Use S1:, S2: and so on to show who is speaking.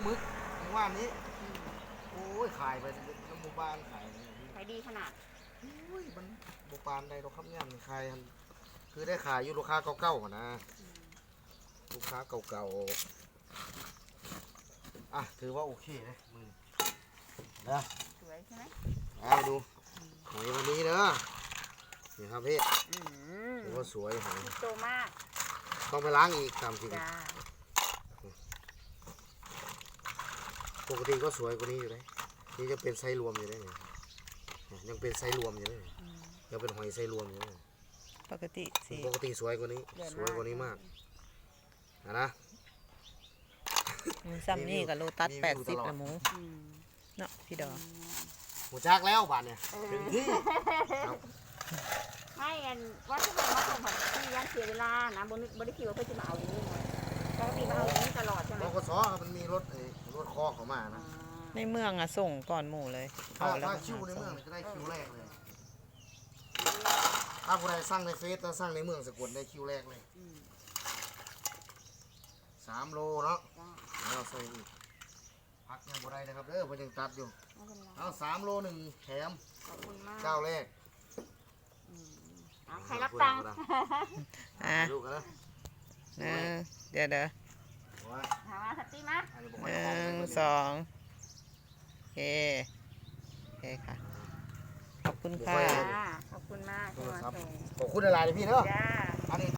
S1: มึกว่านี้โอ้ยขายไปน้ำหมู่บ้านขาย
S2: ขายดีขนาด
S1: โอ้ยมันหมู่บ้านใดเราครับเนี่ยมันขายคือได้ขายอยู่ลูกค้าเก่าๆนะลูกค้าเก่าๆถือว่าโอเคนะมือนะ
S2: สวยใช่ไหม
S1: เอาดูหอยวันนี้เนอะนี่ครับพี่ถือว่าสวยหอย
S2: โตมาก
S1: ต้องไปล้างอีกตามจริง
S2: จ้า
S1: ปกติก็สวยกว่านี้อยู่เลยนี่จะเป็นไซรวมอยู่ได้เลยยังเป็นไซรวมอยู่เลยยังเป็นหอยไซรวมอยู่เลย
S3: ปกติสิ
S1: ปกติสวยกว่านี้สวยกว่านี้มากนะ
S3: ซ้ำนี่กับโลตัส80ละหมูเนาะพี่ดอก
S1: หูจักแล้วบ้านเนี่ยถึงที่
S2: ไม่อันว่าถ้าเรามาส่งผัดที่ยันเสียเวลานะบริคิดว่าเพื่อจะมาเอาอย่างนี้ไงปกติมาเอาอย่างนี้ตลอดใช่ไหม
S1: บกสมันมีรถคอเขามานะ
S3: ในเมืองอะส่งก่อนหมู่เลย
S1: ถ้าคิวในเมืองจะได้คิวแรกเลยถ้าผู้ใดสร้างในเฟซแล้วสร้างในเมืองสกุลได้คิวแรกเลย3 โลเนาะเราใส่อีกพักยังบ่ได้นะครับเด้อมันยังตัดอยู่เอา3 โล 1 แถม
S2: ขอบคุณมาก
S1: เจ้าแรก
S2: ใครรับตังค์
S1: ลูกกันนะ
S3: เดี๋ยว
S2: ถามว่าสัตตี้มั้ย
S3: 1 2โอเคค่ะขอบคุณค่ะ
S2: ขอบคุณมากที่มาส่ง
S1: ขอบคุณอะไรพี่เนาะ